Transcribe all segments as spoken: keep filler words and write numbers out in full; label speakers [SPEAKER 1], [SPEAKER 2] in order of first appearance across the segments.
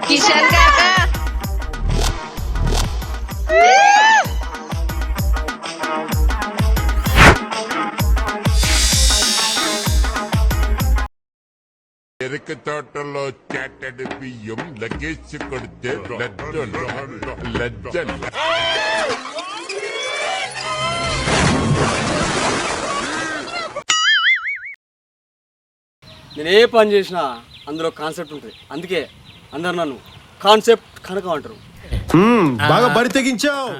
[SPEAKER 1] కిషన్ కాకా
[SPEAKER 2] ఎరుక తోటలో చాటడి బియ్యం లగేజ్ కొడితే లజ్జలు లజ్జలు
[SPEAKER 3] నేను ఏ పని చేసినా అందులో కాన్సెప్ట్ ఉంటుంది. అందుకే అందరు నన్ను కాన్సెప్ట్ కనుక అంటారు.
[SPEAKER 4] బాగా బరి తెగించావు.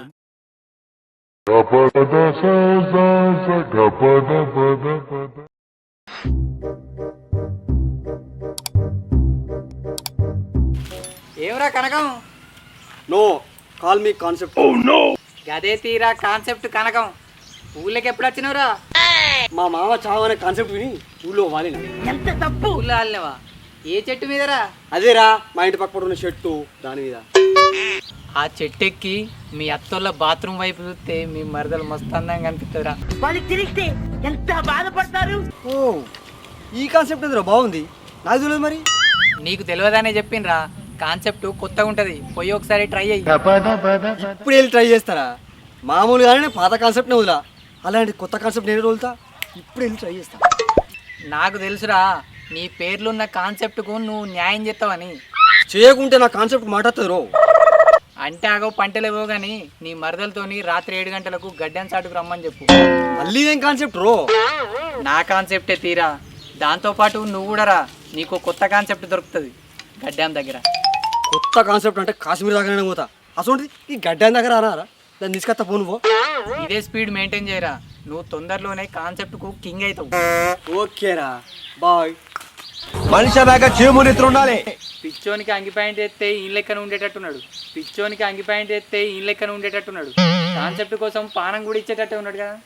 [SPEAKER 5] ఏమరా Kanakam?
[SPEAKER 3] No call me concept.
[SPEAKER 5] గదే తీరా కాన్సెప్ట్ కనకం. ఊళ్ళకి ఎప్పుడు వచ్చినవురా?
[SPEAKER 3] మా మామ చావు అనే కాన్సెప్ట్ విని ఊళ్ళో వాలిన.
[SPEAKER 5] ఎంత తప్పు. ఊళ్ళో వాళ్ళవా? ఏ చెట్టు మీదరా?
[SPEAKER 3] అదేరా మా ఇంటి పక్కన ఉన్న చెట్టు దాని మీద.
[SPEAKER 5] ఆ చెట్టు ఎక్కి మీ అత్తోళ్ళ బాత్రూమ్ వైపు చూస్తే మీ మరదలు మస్తు అందంగా కనిపిస్తుందిరా.
[SPEAKER 6] వాళ్ళకి తిరిగితే ఎంత బాధపడతారు.
[SPEAKER 3] ఓ ఈ కాన్సెప్ట్ ఎదురా బాగుంది. నాకు తెలియదు మరి.
[SPEAKER 5] నీకు తెలియదనే చెప్పిండ్రా. కాన్సెప్ట్ కొత్తగా ఉంటది, పోయి ఒకసారి ట్రై అయ్యి.
[SPEAKER 3] ఇప్పుడు వెళ్ళి ట్రై చేస్తారా? మామూలుగానే పాత కాన్సెప్ట్నే వదిలా, అలాంటి కొత్త కాన్సెప్ట్ నేను వదులుతా. ఇప్పుడు వెళ్ళి ట్రై చేస్తా.
[SPEAKER 5] నాకు తెలుసురా నీ పేర్లున్న కాన్సెప్ట్కు నువ్వు న్యాయం చేస్తావని.
[SPEAKER 3] చేయకుంటే నా కాన్సెప్ట్ మాట్లాడుతుంది రో.
[SPEAKER 5] అంటే ఆగో పంటలేవో గాని నీ మరదలతోని రాత్రి ఏడు గంటలకు గడ్డెన్ చాటుకు రమ్మని చెప్పు.
[SPEAKER 3] మళ్ళీ ఏం కాన్సెప్ట్ రో?
[SPEAKER 5] నా కాన్సెప్టే తీరా. దాంతోపాటు నువ్వు కూడా రా, నీకు కొత్త కాన్సెప్ట్ దొరుకుతుంది గడ్డాం దగ్గర.
[SPEAKER 3] కొత్త కాన్సెప్ట్ అంటే కాశ్మీర్ దగ్గర పోతా. అసలు ఈ గడ్డ దగ్గర అనారా? దాన్ని తీసుకొస్తా పో. నువ్వు
[SPEAKER 5] ఇదే స్పీడ్ మెయింటైన్ చేయరా, నువ్వు తొందరలోనే కాన్సెప్ట్కు కింగ్ అవుతావు.
[SPEAKER 3] ఓకేరా బాయ్.
[SPEAKER 4] మనిషి దాకా చేమునిత్రు ఉండాలి.
[SPEAKER 5] పిచ్చోనికి అంగి ప్యాంట్ ఎత్తే ఈ లెక్కన ఉండేటట్టున్నాడు. పిచ్చోనికి అంగి ప్యాంట్ ఎత్తే ఈ లెక్కన ఉండేటట్టున్నాడు. కాన్సెప్ట్ కోసం పానం కూడా ఇచ్చేటట్టే ఉన్నాడు కదా.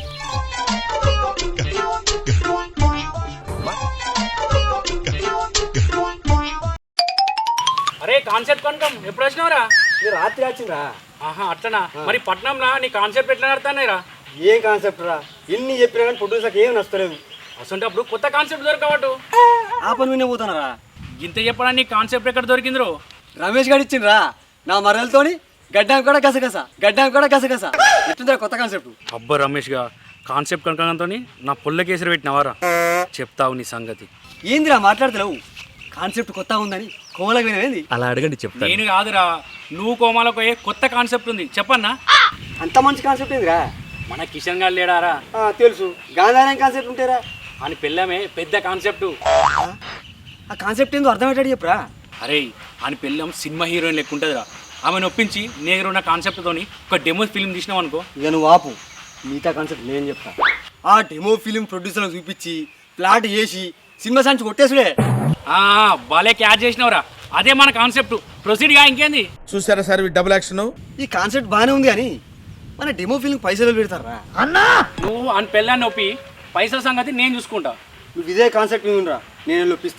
[SPEAKER 7] అరే కాన్సెప్ట్ కొనకం ఎప్పుడు వచ్చినావురా?
[SPEAKER 3] రాత్రి వచ్చిందా?
[SPEAKER 7] ఆహా అట్లనా? మరి పట్నంలా నీ కాన్సెప్ట్ ఎట్లా నడుతున్నాయిరా?
[SPEAKER 3] ఏం కాన్సెప్ట్ రా? ఎన్ని చెప్పినా కానీ ప్రొడ్యూసర్కి ఏం నచ్చలేదు.
[SPEAKER 7] అసలు కొత్త కాన్సెప్ట్ దొరకవట్టు
[SPEAKER 3] ఆ పని వినే పోతానరా.
[SPEAKER 7] ఇంత చెప్పడా నీ కాన్సెప్ట్ ఎక్కడ దొరికిందిరో?
[SPEAKER 3] రమేష్ గారు ఇచ్చిండ్రా నా మరలతోని. గడ్డం కూడా గసగస గడ్డం కూడా గసగస. ఎట్లుందా కొత్త కాన్సెప్ట్?
[SPEAKER 7] అబ్బా రమేష్ గా కాన్సెప్ట్ కనుకతో నా పుల్ల కేసరి పెట్టినవారా? చెప్తావు నీ సంగతి.
[SPEAKER 3] ఏందిరా మాట్లాడతలేవు? కాన్సెప్ట్ కొత్త ఉందని కోమలకు వినేది.
[SPEAKER 8] అలా అడగండి చెప్తా.
[SPEAKER 7] నేను కాదురా, నువ్వు కోమాలకు ఏ కొత్త కాన్సెప్ట్ ఉంది చెప్పన్నా.
[SPEAKER 3] అంత మంచి కాన్సెప్ట్ ఏందిరా?
[SPEAKER 7] మన కిషన్ గారు లేడారా?
[SPEAKER 3] తెలుసు. గాంధారం కాన్సెప్ట్ ఉంటారా
[SPEAKER 7] అని పెళ్ళమే పెద్ద కాన్సెప్ట్.
[SPEAKER 3] ఆ కాన్సెప్ట్ ఏందో అర్థమయ్యేటట్టు చెప్పురా.
[SPEAKER 7] అరే అని పెళ్ళం సినిమా హీరోయిన్ లెక్క ఉంటుందిరా. ఆమెను ఒప్పించి నేను ఉన్న కాన్సెప్ట్తోని ఒక డెమో ఫిల్మ్ తీసినావు అనుకో.
[SPEAKER 3] ఇక నువ్వు ఆపు, మిగతా కాన్సెప్ట్ నేను చెప్తా. ఆ డెమో ఫిల్మ్ ప్రొడ్యూసర్లకు చూపించి ప్లాట్ చేసి సినిమా సంచి కొట్టేసుడే.
[SPEAKER 7] బాలే క్యాచ్ చేసినవరా? అదే మన కాన్సెప్ట్. ప్రొసీడ్ గా ఇంకేంది?
[SPEAKER 4] చూసారా సార్ డబుల్ యాక్షన్.
[SPEAKER 3] ఈ కాన్సెప్ట్ బాగానే ఉంది కానీ మన డెమో ఫిల్మ్ పైసలు పెడతారా?
[SPEAKER 7] నువ్వు అని పెళ్ళాన్ని నొప్పి పైసల సంగతి నేను చూసుకుంటా.
[SPEAKER 3] నువ్వు ఇదే కాన్సెప్ట్ ఉందిరా, నేను ఒప్పిస్తా.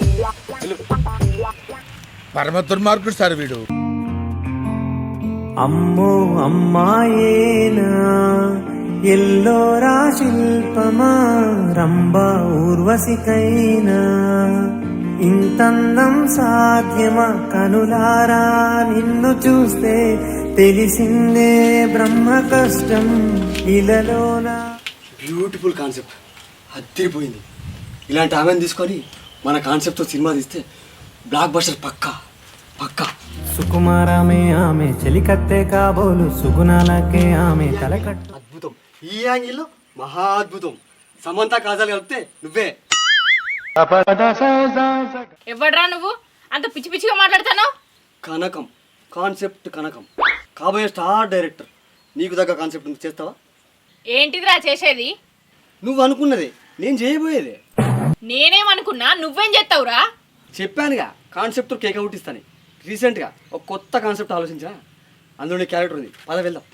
[SPEAKER 4] పరమ దుర్మార్గుడు సార్ వీడు.
[SPEAKER 9] అమ్మో అమ్మాయేనా ఎల్లోరా శిల్పమా రంభా ఊర్వశికైనా ఇంతందం సాధ్యమా కనులారా నిన్ను చూస్తే తెలిసిందే బ్రహ్మ కష్టం ఇలలోనా.
[SPEAKER 3] బ్యూటిఫుల్ కాన్సెప్ట్, అద్దరిపోయింది. ఇలాంటి ఆమెను తీసుకొని మన కాన్సెప్ట్తో సినిమా తీస్తే బ్లాక్ బస్టర్ పక్కా పక్కా.
[SPEAKER 9] సుకుమారమే ఆమె చెలికత్తె కాబోలు సుగుణాలకే ఆమె తలకట్టు.
[SPEAKER 3] అద్భుతం. ఈ యాంగిల్లో మహా అద్భుతం. సమంత కాజాలు కలిపితే నువ్వే.
[SPEAKER 1] ఎవడ్రా నువ్వు అంత పిచ్చి పిచ్చిగా మాట్లాడతాను?
[SPEAKER 3] కనకం కాన్సెప్ట్ కనకం. కాబోయే స్టార్ డైరెక్టర్. నీకు దగ్గర కాన్సెప్ట్ ఉంది, చేస్తావా?
[SPEAKER 1] ఏంటిదిరా చేసేది?
[SPEAKER 3] నువ్వు అనుకున్నదే నేను చేయబోయేదే.
[SPEAKER 1] నేనేమనుకున్నా, నువ్వేం చేస్తావురా?
[SPEAKER 3] చెప్పానుగా కాన్సెప్ట్ కేక్ అవుట్ ఇస్తాను. రీసెంట్గా ఒక కొత్త కాన్సెప్ట్ ఆలోచించా, అందులో క్యారెక్టర్ ఉంది. పద వెళ్దాం.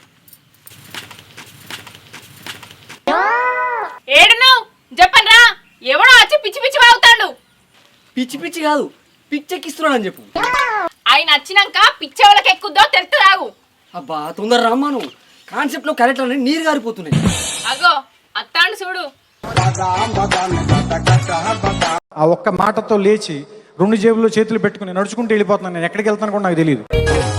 [SPEAKER 1] ఏడున్నావు చెప్పండి రా. ఎవడో వచ్చి పిచ్చి పిచ్చి వాగుతాడు.
[SPEAKER 3] పిచ్చి పిచ్చి కాదు, పిచ్చెక్కిస్తున్నాడు అని చెప్పు.
[SPEAKER 1] ఆయన వచ్చినాక పిచ్చెవలకి ఎక్కుద్దో తెలుస్తాగు.
[SPEAKER 3] అబ్బా తొందర రమ్మా. నువ్వు కాన్సెప్ట్లో క్యారెక్టర్ అనేది నీరు గారిపోతున్నాయి.
[SPEAKER 1] అగో అత్తాండు చూడు.
[SPEAKER 10] ఆ ఒక్క మాటతో లేచి
[SPEAKER 9] రెండు జేబుల్లో చేతులు పెట్టుకుని నడుచుకుంటూ వెళ్ళిపోతున్నాను. నేను ఎక్కడికి వెళ్తాను కూడా నాకు తెలియదు.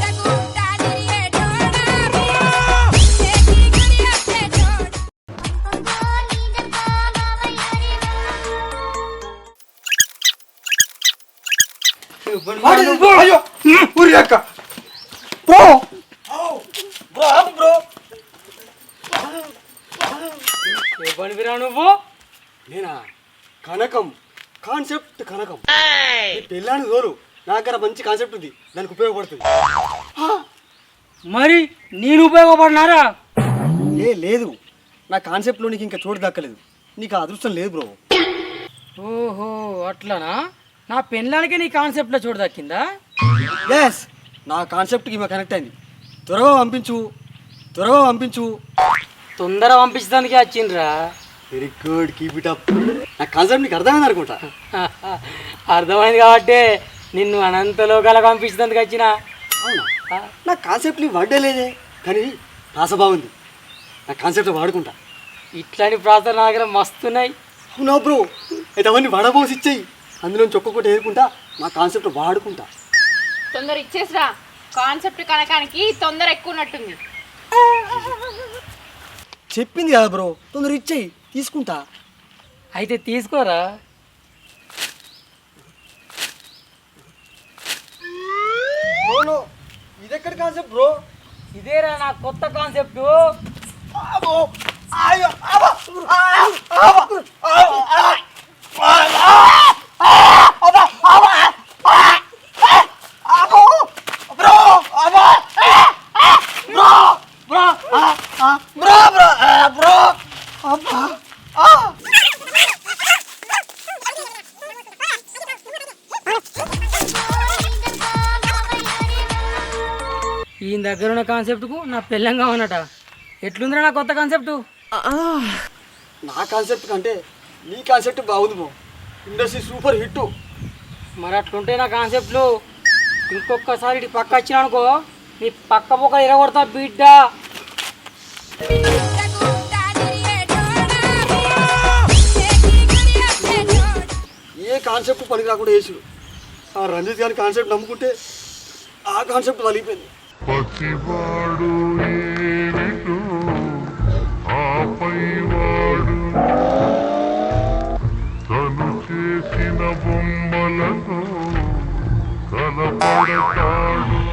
[SPEAKER 3] అయ్యో ఊరి అక్క బ్రో బ్రో ఆపు బ్రో.
[SPEAKER 5] ఏ పని విరా నువ్వు?
[SPEAKER 3] నేనా కనకం కాన్సెప్ట్ కనకం. పెళ్ళాని దోరు నా దగ్గర మంచి కాన్సెప్ట్ ఉంది, దానికి ఉపయోగపడుతుంది.
[SPEAKER 5] మరి నేను ఉపయోగపడినారా?
[SPEAKER 3] ఏ లేదు, నా కాన్సెప్ట్లో నీకు ఇంకా చోటు దక్కలేదు, నీకు ఆ అదృష్టం లేదు బ్రో.
[SPEAKER 5] ఓహో అట్లానా? నా పెళ్ళానికే నీ కాన్సెప్ట్లో చోటు దక్కిందా?
[SPEAKER 3] ఎస్, నా కాన్సెప్ట్కి ఈమె కనెక్ట్ అయింది. త్వరగా పంపించు, త్వరగా పంపించు.
[SPEAKER 5] తొందర పంపించడానికి వచ్చిండ్రా.
[SPEAKER 3] Very good, keep it up. నా కాన్సెప్ట్ నీకు అర్థమైంది అనుకుంటా.
[SPEAKER 5] అర్థమైంది కాబట్టి నిన్ను అనంత లోకాలకు పంపించడానికి వచ్చిన.
[SPEAKER 3] అవునా, నా కాన్సెప్ట్ నీ వర్డే లేదే, కానీ రాస బాగుంది. నా కాన్సెప్ట్ వాడుకుంటా.
[SPEAKER 5] ఇట్లాంటి ప్రాంతాలు నా దగ్గర మస్తున్నాయి.
[SPEAKER 3] అవునా బ్రో, అయితే అవన్నీ వడబోసి ఇచ్చేయి, అందులో ఒక్కొక్కటి ఏరుకుంటా, నా కాన్సెప్ట్ వాడుకుంటా.
[SPEAKER 1] తొందర ఇచ్చేసిరా, కాన్సెప్ట్ కనకానికి తొందర ఎక్కువ ఉన్నట్టుంది.
[SPEAKER 3] చెప్పింది కదా బ్రో, తొందర ఇచ్చేయి, తీసుకుంటా.
[SPEAKER 5] అయితే తీసుకోరా.
[SPEAKER 3] ఇది ఎక్కడ కాన్సెప్ట్ బ్రో?
[SPEAKER 5] ఇదేరా నా కొత్త కాన్సెప్ట్. ఈయన దగ్గర ఉన్న కాన్సెప్ట్కు నా పెళ్ళంగా ఉన్నట. ఎట్లుందిరా నా కొత్త కాన్సెప్ట్?
[SPEAKER 3] నా కాన్సెప్ట్ కంటే నీ కాన్సెప్ట్ బాగుంది బ్రో, ఇండస్ట్రీ సూపర్ హిట్.
[SPEAKER 5] మరి అట్లుంటే నా కాన్సెప్ట్లు ఇంకొకసారి ఇటు పక్క వచ్చినా అనుకో, నీ పక్క పక్క ఇరగొడతా బిడ్డ.
[SPEAKER 3] ఏ కాన్సెప్ట్ పనికి రాకుండా వేసుడు. ఆ రంజిత్ గారి కాన్సెప్ట్ నమ్ముకుంటే ఆ కాన్సెప్ట్ వలిగిపోయింది.
[SPEAKER 2] పసివాడు ఏమిటో ఆపైవాడు తను చేసిన బొమ్మలతో కలపడతాడు.